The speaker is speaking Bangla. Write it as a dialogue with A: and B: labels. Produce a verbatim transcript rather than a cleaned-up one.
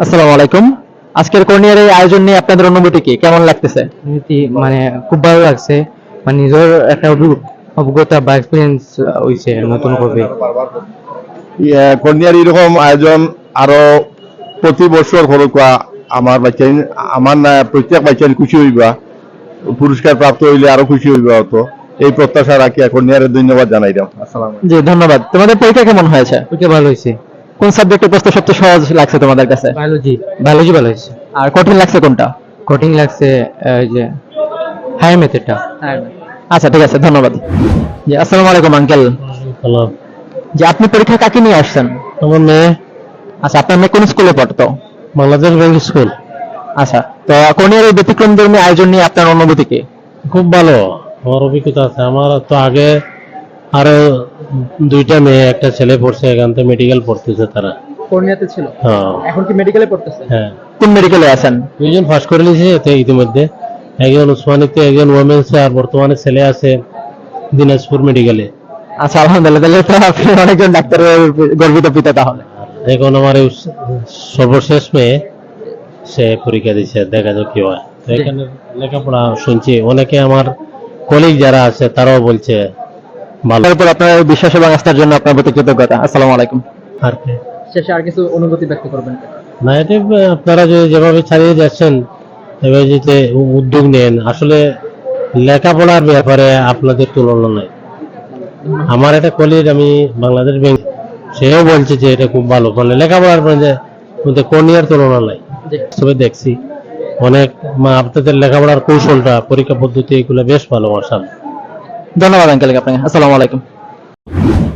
A: আসসালামু আলাইকুম। আজকের কর্নিয়ার এই আয়োজন নিয়ে আপনাদের অনুভূতি কি, কেমন লাগতেছে?
B: এমনিতে মানে খুব ভালো লাগছে, মানে নিজের একটা অভি- অভিজ্ঞতা বা এক্সপিরিয়েন্স হইছে নতুন করে।
C: ইয়া, কন্যার এরকম আয়োজন আরো প্রতি বছর হরকা আমার বাচ্চা আমার না প্রত্যেক বাচ্চা খুশি হইবা, পুরস্কার প্রাপ্ত হইলে আরো খুশি হইবা হতো, এই প্রত্যাশা রাখি কন্যার ধন্যবাদ জানাইলাম। আসসালাম।
A: জি ধন্যবাদ। তোমাদের পরীক্ষা কেমন হয়েছে?
B: ওইটা ভালো হয়েছে।
A: কোন সাবজেক্টের প্রশ্ন সবচেয়ে সহজ লাগছে তোমাদের কাছে?
B: বায়োলজি বায়োলজি ভালো হয়েছে।
A: আর কঠিন লাগছে কোনটা?
B: কঠিন লাগছে আহ, ওই যে হায়ার মেথডটা।
A: আচ্ছা ঠিক আছে, ধন্যবাদ। জি আসসালামু আলাইকুম আঙ্কেল।
B: হ্যালো,
A: যে আপনি পরীক্ষা কাকে নিয়ে আসছেন?
B: আমার মেয়ে
A: আচ্ছা, আপনার মেয়ে কোন স্কুলে পড়তো?
B: Bangladesh bank school.
A: আচ্ছা, তো কর্নিয়ার এই ব্যতিক্রমধর্মী আয়োজন নিয়ে আপনার অনুভূতি কি?
B: খুব ভালো, আমার অভিজ্ঞতা আছে। আমার তো আগে আরো দুইটা মেয়ে একটা ছেলে পড়ছে, এখান থেকে মেডিকেল পড়তেছে তারা।
A: কর্নিয়াতে ছিল,
B: হ্যাঁ
A: এখন কি মেডিকেলে পড়তেছে?
B: হ্যাঁ,
A: কোন মেডিকেলে আছেন?
B: দুইজন পাস করে নিয়েছে এতে ইতিমধ্যে, একজন উসমানীতে, একজন ওমেন্সে, আর বর্তমানে ছেলে আছে দিনাজপুর মেডিকেলে।
A: আচ্ছা আলহামদুলিল্লাহ, তাহলে তো আপনি অনেকজন ডাক্তারের গর্বিত পিতা তাহলে।
B: এখন আমার এই সর্বশেষ মেয়ে, সে পরীক্ষা দিচ্ছে, দেখা যাক কি হয়। তো এখানে লেখাপড়া শুনছি, অনেকে আমার কলিগ যারা আছে তারাও বলছে ভালো।
A: তারপর আপনার বিশ্বাস এবং আস্থার জন্য আপনার প্রতি কৃতজ্ঞতা। আসসালামু আলাইকুম।
B: আর কি
A: শেষে আর কিছু অনুভূতি ব্যক্ত করবেন?
B: না, এটা আপনারা যে যেভাবে চালিয়ে যাচ্ছেন, এভাবে যদি উদ্যোগ নেন, আসলে লেখাপড়ার ব্যাপারে আপনাদের তুলনা নাই। আমার একটা কলিগ, আমি বাংলাদেশ ব্যাংক, সেও বলছে যে এটা খুব ভালো, মানে লেখাপড়ার মধ্যে কর্নিয়ার তুলনা নাই। তবে দেখছি অনেক মা- আপনাদের লেখাপড়ার কৌশলটা, পরীক্ষা পদ্ধতি, এগুলো বেশ ভালো। মাশাআল্লাহ।
A: ধন্যবাদ আঙ্কেল আপনাকে। আসসালামু আলাইকুম।